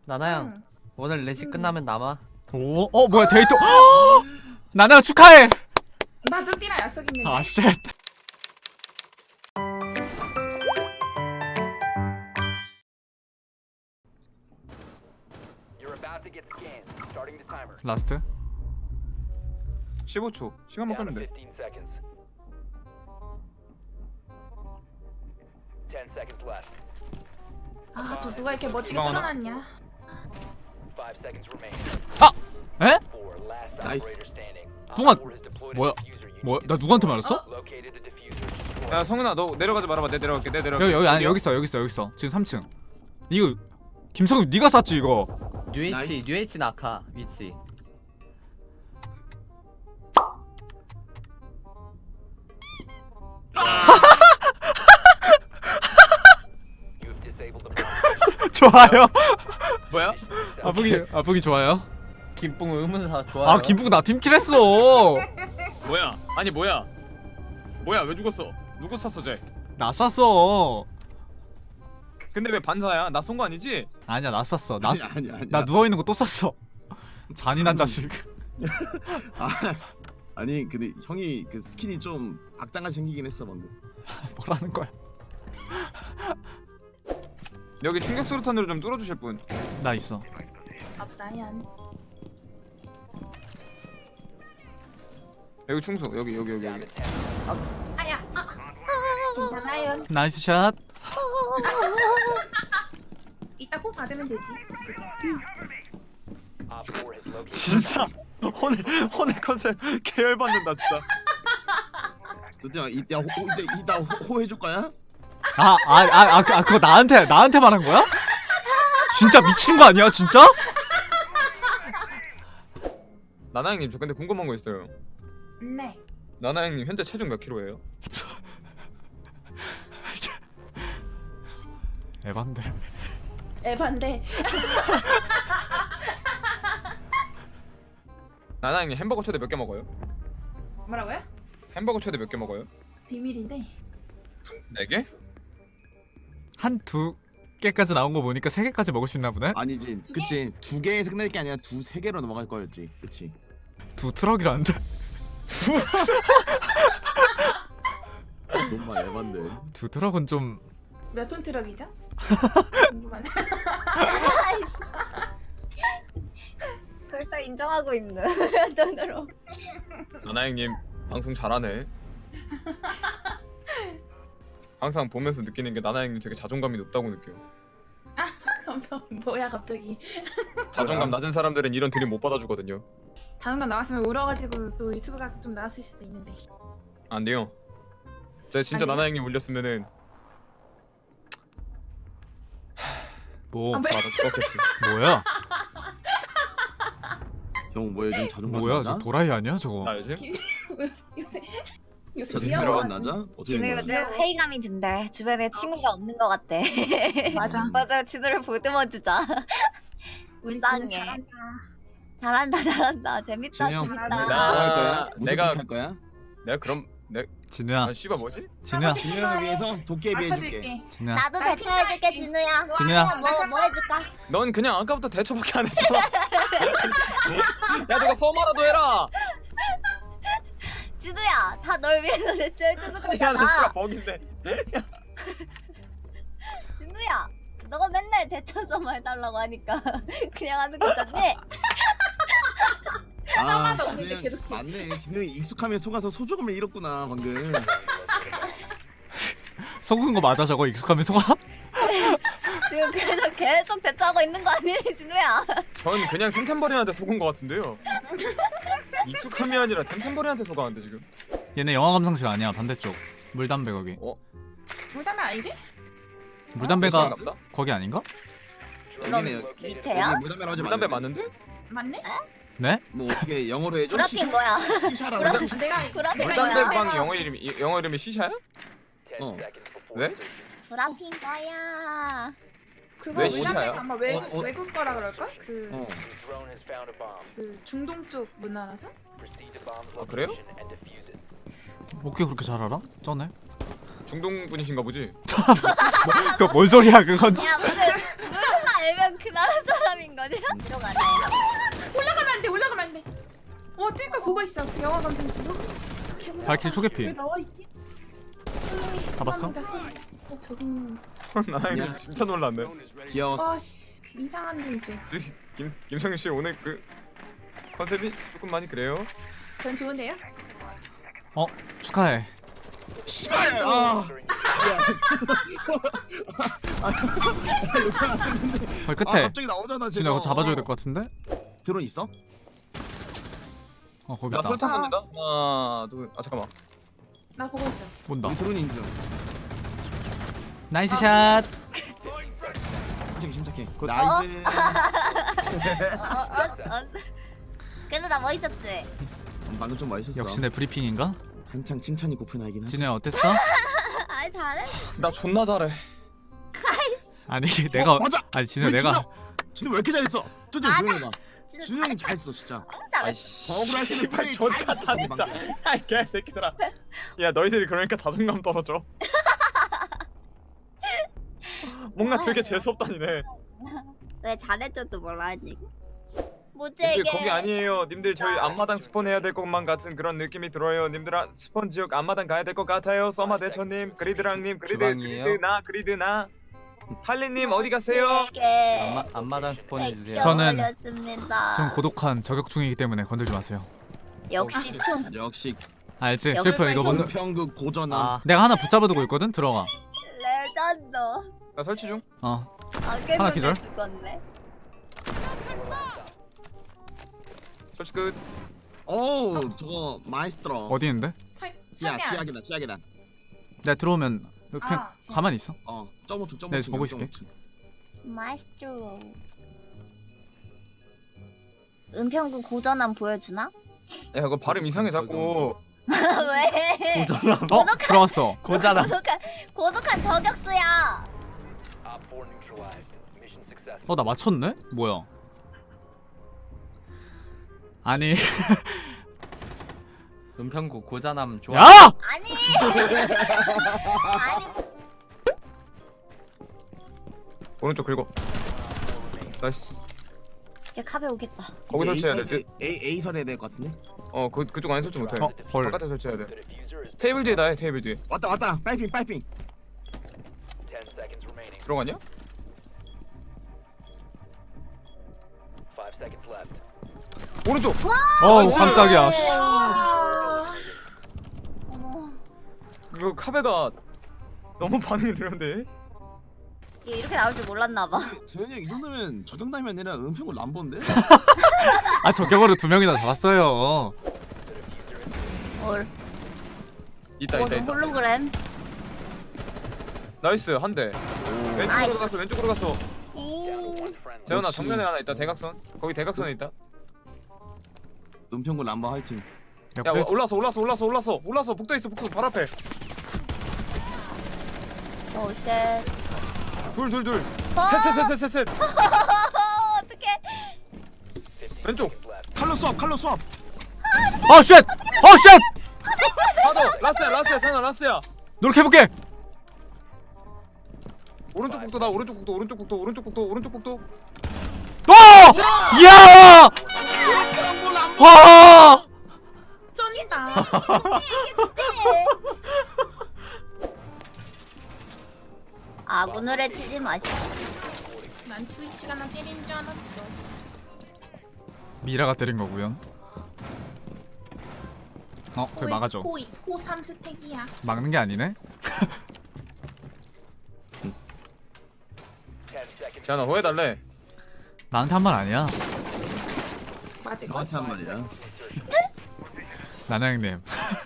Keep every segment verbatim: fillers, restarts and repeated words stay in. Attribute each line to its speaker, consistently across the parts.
Speaker 1: 나나양
Speaker 2: 응.
Speaker 1: 오늘 레시
Speaker 2: 응.
Speaker 1: 끝나면 남아.
Speaker 3: 오, 어 뭐야 데이트? 나나야 축하해.
Speaker 2: 나 뚜띠랑 약속 있는데.
Speaker 3: 아 쉣. 라스트.
Speaker 4: 십오 초 시간만 끌면 돼.
Speaker 2: 아, 또 누가 이렇게 멋지게
Speaker 4: 주방 하나?
Speaker 2: 털어놨냐?
Speaker 3: 아! 에?
Speaker 5: 나이스.
Speaker 3: 동안 뭐야? 뭐야? 나 누구한테 말했어?
Speaker 4: 야 성은아 너 내려가지 말아봐. 내 내려갈게. 내 내려갈게.
Speaker 3: 여기 여기 아니 여기 있어 여기 있어 여기 있어 지금 삼 층. 이거 김성윤 네가 쐈지 이거.
Speaker 1: 뉴에이치
Speaker 5: 나이스.
Speaker 1: 뉴에이치 낙하 위치.
Speaker 3: 좋아요.
Speaker 4: 뭐야?
Speaker 3: 아프기 아프기 좋아요.
Speaker 1: 김뿡 의문사 좋아요.
Speaker 3: 아 김북 나 팀킬했어.
Speaker 4: 뭐야? 아니 뭐야? 뭐야 왜 죽었어? 누구 쐈어 쟤?
Speaker 3: 나 쐈어.
Speaker 4: 근데 왜 반사야? 나 쏜 거 아니지?
Speaker 3: 아니야 나 쐈어. 나
Speaker 5: 아니
Speaker 3: 쏘-
Speaker 5: 아니 아니.
Speaker 3: 나 누워 있는 거 또 쐈어. 잔인한 자식.
Speaker 5: 아, 아니 근데 형이 그 스킨이 좀 악당하게 생기긴 했어 방금.
Speaker 3: 뭐라는 거야?
Speaker 4: 여기 충격 수류탄으로 좀 뚫어주실 분.
Speaker 3: 나 있어.
Speaker 2: 없사연.
Speaker 4: 여기 충수. 여기 여기 여기 여기.
Speaker 2: 아야. 아. 괜찮아요.
Speaker 3: 나이스 샷.
Speaker 2: 이따 꼭 받으면 되지.
Speaker 4: 진짜 오늘 오늘 컨셉 계열받는다 진짜.
Speaker 5: 뚜띠야 이따 호 이따 이따 호 해줄 거야?
Speaker 3: 아, 아, 아, 아, 그- 아, 그거 나한테, 나한테 말한 거야? 진짜 미친 거 아니야, 진짜?
Speaker 4: 나나형님 저 근데 궁금한 거 있어요.
Speaker 2: 네.
Speaker 4: 나나형님 현재 체중 몇 킬로예요?
Speaker 3: 에반데.
Speaker 2: 에반데.
Speaker 4: 나나형님 햄버거 최대 몇 개 먹어요?
Speaker 2: 뭐라고요?
Speaker 4: 햄버거 최대 몇 개 먹어요?
Speaker 2: 비밀인데.
Speaker 4: 네 개?
Speaker 3: 한 두 개까지 나온 거 보니까 세 개까지 먹을 수 있나 보네?
Speaker 5: 아니지. 그치. 두 개에서 끝날 게 아니라 두 세 개로 넘어갈 거였지. 그치.
Speaker 3: 두 트럭이라는데?
Speaker 5: 너무 에반데.
Speaker 3: 두 트럭은 좀.
Speaker 2: 몇 톤 트럭이죠? 궁금하네.
Speaker 6: 그걸 다 인정하고 있는 돈으로.
Speaker 4: 나나형님 방송 잘하네. 항상 보면서 느끼는 게 나나형님 되게 자존감이 높다고 느껴요.
Speaker 2: 감사. 뭐야 갑자기.
Speaker 4: 자존감 낮은 사람들은 이런 드림 못 받아주거든요.
Speaker 2: 다른 건 나왔으면 울어가지고 또 유튜브가 좀 나왔을 수도 있는데.
Speaker 4: 안 돼요. 제가 진짜
Speaker 2: 아니요?
Speaker 4: 나나형님 올렸으면은
Speaker 3: 뭐,
Speaker 2: 아, 왜?
Speaker 4: 바로 죽었겠지.
Speaker 3: 뭐야?
Speaker 5: 형 뭐야 요즘 자존감
Speaker 3: 뭐야,
Speaker 5: 낮아?
Speaker 3: 저 도라이 아니야, 저거?
Speaker 4: 나 요즘
Speaker 2: 요새 요새
Speaker 5: 자존감
Speaker 2: 귀여워.
Speaker 5: 낮아? 어떻게
Speaker 6: 진우
Speaker 5: 된 거야?
Speaker 6: 요즘 회의감이 든대. 주변에 친구가 없는 것 같대.
Speaker 2: 맞아.
Speaker 6: 맞아, 진우를 보듬어 주자.
Speaker 2: 우리
Speaker 6: 불쌍해.
Speaker 2: 진우 잘한다.
Speaker 6: 잘한다, 잘한다. 재밌다,
Speaker 5: 진우 형.
Speaker 6: 재밌다.
Speaker 4: 나-
Speaker 5: 뭐 할 거야? 무슨
Speaker 4: 내가-
Speaker 5: 할 거야?
Speaker 4: 내가 그럼 내
Speaker 3: 진우야,
Speaker 4: 아 씨발 뭐지?
Speaker 3: 진우야,
Speaker 5: 진우 형을 위해서 도깨비 해줄게.
Speaker 2: 맞춰줄게.
Speaker 3: 진우야.
Speaker 6: 나도 대처해줄게, 진우야.
Speaker 3: 진우야.
Speaker 6: 뭐, 뭐 해줄까?
Speaker 4: 넌 그냥 아까부터 대처밖에 안 했잖아. 야 저거 써마라도 해라.
Speaker 6: 진우야, 다 널 위해서 대처해주는
Speaker 4: 야 너 씨발
Speaker 6: 거잖아.
Speaker 4: 버긴데.
Speaker 6: 진우야, 너가 맨날 대처서만 해달라고 하니까 그냥 하는 거잖니?
Speaker 5: 아,
Speaker 2: 하나도
Speaker 5: 진우
Speaker 2: 없는데
Speaker 5: 형
Speaker 2: 계속 해.
Speaker 5: 맞네. 진우 형이 익숙함에 속아서 소조금을 잃었구나 방금.
Speaker 3: 속은 거 맞아, 저거? 익숙하면 속아?
Speaker 6: 지금 그래서 계속 대처하고 있는 거 아니니, 진우야?
Speaker 4: 전 그냥 템템버린한테 속은 것 같은데요. 익숙함이 아니라 템템버린한테 속았는데 지금.
Speaker 3: 얘네 영화 감상실 아니야, 반대쪽. 물담배 거기.
Speaker 4: 어?
Speaker 2: 물담배 아니래?
Speaker 3: 물담배가
Speaker 4: 감사합니다.
Speaker 3: 거기 아닌가?
Speaker 5: 여기네 여기.
Speaker 6: 밑에야?
Speaker 5: 여기 물담배로 하지
Speaker 4: 물담배
Speaker 5: 말는데?
Speaker 4: 맞는데?
Speaker 2: 맞네?
Speaker 3: 네?
Speaker 5: 뭐 어떻게 영어로 해줘?
Speaker 6: 구라핀 거야.
Speaker 5: 시샤라고
Speaker 6: 구라-
Speaker 5: 해줘?
Speaker 2: 내가
Speaker 6: 구라핀
Speaker 4: 물담배
Speaker 6: 거야.
Speaker 4: 방 영어 이름이 이- 영어 이름이 시샤야?
Speaker 5: 어.
Speaker 4: 왜?
Speaker 6: 구라핀 거야.
Speaker 2: 그거
Speaker 4: 왜
Speaker 2: 물담배
Speaker 4: 시샤야?
Speaker 2: 아마 외국
Speaker 5: 어, 어.
Speaker 2: 외국 거라 그럴까? 그,
Speaker 5: 어.
Speaker 2: 그 중동 쪽 문화라서?
Speaker 4: 아 그래요?
Speaker 3: 어떻게 그렇게 잘 알아? 쩌네.
Speaker 4: 중동 분이신가 보지?
Speaker 3: 그거 뭔 소리야, 그건.
Speaker 6: 야, 무슨 무슨 말 알면 그 나라 사람인 거냐? 들어가네.
Speaker 2: 올라가면 안 돼. 올라가면 안 돼. 어, 뜰 걸 보고 있어. 영화 감상실로.
Speaker 3: 발키리 초계피.
Speaker 2: 왜 나와 있지?
Speaker 3: 잡았어?
Speaker 2: 어, 저기 있는.
Speaker 4: 나영님 진짜 놀랐네.
Speaker 5: 귀여웠어.
Speaker 2: 아씨, 이상한데 이제.
Speaker 4: 김 김성윤 씨 오늘 그 컨셉이 조금 많이 그래요.
Speaker 2: 전 좋은데요?
Speaker 3: 어 축하해.
Speaker 5: 씨발. 아.
Speaker 3: 거의
Speaker 5: 아,
Speaker 3: 끝에.
Speaker 5: 갑자기 나오잖아.
Speaker 3: 진우야 그거 잡아줘야 될 것 같은데?
Speaker 5: 드론 있어?
Speaker 3: 어 거기
Speaker 4: 나
Speaker 3: 있다.
Speaker 4: 설탕 던진다. 하나 둘. 아 잠깐만.
Speaker 2: 나 보고 있어.
Speaker 3: 본다.
Speaker 5: 우리 드론 인증.
Speaker 3: 나이스 샷.
Speaker 5: 침착해 침착해. 그 나이스.
Speaker 6: 어, 어, 어. 그래도 나 멋있었지?
Speaker 5: 방금 좀 멋있었어.
Speaker 3: 역시 내 브리핑인가?
Speaker 5: 한창 칭찬이 고픈 아이긴 하지.
Speaker 3: 진우야 어땠어?
Speaker 6: 아 잘해.
Speaker 4: 나 존나 잘해.
Speaker 3: 아니 내가
Speaker 5: 어, 맞아.
Speaker 3: 아니 진우
Speaker 5: 왜
Speaker 3: 내가
Speaker 5: 진우 왜 이렇게 잘했어? 쪼쪼
Speaker 6: 맞아.
Speaker 5: 조용히 해봐.
Speaker 6: 진짜
Speaker 5: 진우 형이 잘했어 진짜.
Speaker 6: 잘해.
Speaker 4: 아이씨.
Speaker 5: 억울할 때는
Speaker 4: 씨발
Speaker 5: 플레이
Speaker 4: 존나
Speaker 5: 다 해줬어,
Speaker 4: 잘했다.
Speaker 5: 방금.
Speaker 4: 아이 개새끼들아. 야 너희들이 그러니까 자존감 떨어져. 뭔가 되게 재수없다니네.
Speaker 6: 왜 잘해줘도 뭐라 하지? 뭐지
Speaker 4: 님들
Speaker 6: 이게?
Speaker 4: 거기 아니에요. 님들 저희 앞마당 스폰 해야 될 것만 같은 그런 느낌이 들어요. 님들아 스폰 지역 앞마당 가야 될 것 같아요. 써마 대처님, 그리드랑님, 그리드,
Speaker 1: 주방이에요?
Speaker 4: 그리드 나, 그리드 나. 할리님 어디 가세요?
Speaker 6: 이게
Speaker 1: 앞마, 앞마당 스폰 해주세요.
Speaker 3: 저는
Speaker 6: 어렸습니다.
Speaker 3: 지금 고독한 저격 중이기 때문에 건들지 마세요.
Speaker 6: 역시 춤.
Speaker 5: 역시
Speaker 3: 알지?
Speaker 6: 여기
Speaker 3: 실프 이거 못.
Speaker 5: 평극 고전함.
Speaker 1: 아
Speaker 3: 내가 하나 붙잡아두고 있거든. 들어가.
Speaker 6: 레전드.
Speaker 4: 나 설치 중.
Speaker 3: 어.
Speaker 6: 아
Speaker 3: 하나
Speaker 6: 깨끗해
Speaker 3: 기절?
Speaker 6: 죽었네.
Speaker 4: 설치 끝.
Speaker 5: 어우 저거 마이스트로.
Speaker 3: 어디 있는데?
Speaker 2: 설,
Speaker 5: 지하
Speaker 2: 설계 안-
Speaker 5: 지하계단 지하계단.
Speaker 3: 내가 들어오면 그냥
Speaker 2: 아, 지하.
Speaker 3: 가만히 있어.
Speaker 5: 어 점오층 점오층.
Speaker 3: 네, 저 보고 있을게.
Speaker 6: 마이스트로. 은평구 고전함 보여주나?
Speaker 4: 야 그거 발음 이상해 자꾸.
Speaker 6: 왜?
Speaker 3: 어 들어갔어.
Speaker 1: 고자나.
Speaker 6: 고독한 고독한 저격수야.
Speaker 3: 어 나 맞췄네? 뭐야? 아니
Speaker 1: 은평구 고자남 좋아.
Speaker 3: 야!
Speaker 6: 아니. 아니.
Speaker 4: 오른쪽 긁어. 나이스.
Speaker 6: 이제 카베 오겠다.
Speaker 4: 거기 설치해야 돼. 그,
Speaker 5: A A 설해야 될 것 같은데.
Speaker 4: 어 그, 그쪽 안에 설치 못해.
Speaker 3: 어 헐.
Speaker 4: 바깥에 설치해야 돼. 테이블 뒤에 나해 테이블 뒤에.
Speaker 5: 왔다 왔다. 빨핑 빨핑.
Speaker 4: 들어가냐? 오른쪽.
Speaker 3: 어우 깜짝이야. 씨.
Speaker 2: 아,
Speaker 6: 어머.
Speaker 4: 그 카베가 너무 반응이 느렸는데.
Speaker 6: 이게 이렇게 나올 줄 몰랐나 봐.
Speaker 5: 재현이 형 이 정도면 저격남이 아니라 은평을 람보인데?
Speaker 3: 아 저격으로 두 명이나 잡았어요.
Speaker 6: 헐.
Speaker 4: 있다
Speaker 6: 어,
Speaker 4: 있다 있다.
Speaker 6: 홀로그램.
Speaker 4: 나이스 한 대. 왼쪽으로
Speaker 6: 나이스.
Speaker 4: 갔어 왼쪽으로 갔어.
Speaker 6: 잉.
Speaker 4: 재현아
Speaker 5: 역시.
Speaker 4: 정면에 하나 있다 대각선. 거기 대각선에 있다.
Speaker 5: 은평구 람보 화이팅.
Speaker 4: 야
Speaker 3: 옆에
Speaker 4: 올라서 올라서 올라서 올라서 올라서 복도 있어 복도 바로 앞에.
Speaker 6: 오 쉣.
Speaker 4: 둘 둘 둘.
Speaker 6: 어!
Speaker 4: 셋셋셋셋셋.
Speaker 6: 어떡해.
Speaker 4: 왼쪽.
Speaker 5: 칼로 수업 칼로 수업.
Speaker 3: 어 쉣! 어 쉣!
Speaker 4: 하도 라스야 라스야 전화 라스야.
Speaker 3: 노력해볼게.
Speaker 4: 오른쪽 복도 나 오른쪽 복도 오른쪽 복도 오른쪽 복도 오른쪽 복도.
Speaker 3: 어! 이야! 와!
Speaker 2: 쩐이다.
Speaker 6: 아군을 해치지 마십시오.
Speaker 2: 난 스위치가 나 때리는 줄 알았어.
Speaker 3: 미라가 때린 거고요. 어, 그걸 막아줘.
Speaker 2: 호, 호 삼 스택이야.
Speaker 3: 막는 게 아니네.
Speaker 4: 재현아 호해달래.
Speaker 3: 나한테 한 말 아니야.
Speaker 2: 맞을 거.
Speaker 5: 나한테 한 말이야.
Speaker 3: 나나 형님.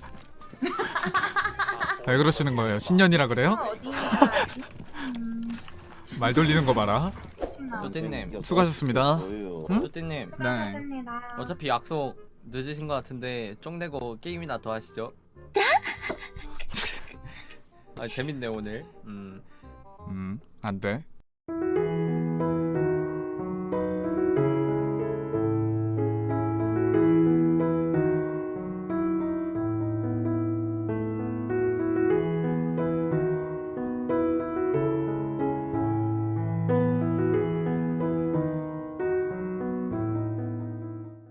Speaker 3: 왜 그러시는 거예요? 신년이라 그래요?
Speaker 2: 어디 가지? 음,
Speaker 3: 말 돌리는 거 봐라.
Speaker 2: 친나.
Speaker 1: 쪼띠님.
Speaker 3: 수고하셨습니다. 응?
Speaker 1: 쪼띠님.
Speaker 2: 수고하셨습니다.
Speaker 1: 어차피 약속 늦으신 것 같은데 쫑내고 게임이나 더 하시죠. 아 재밌네 오늘. 음.
Speaker 3: 음, 안 돼.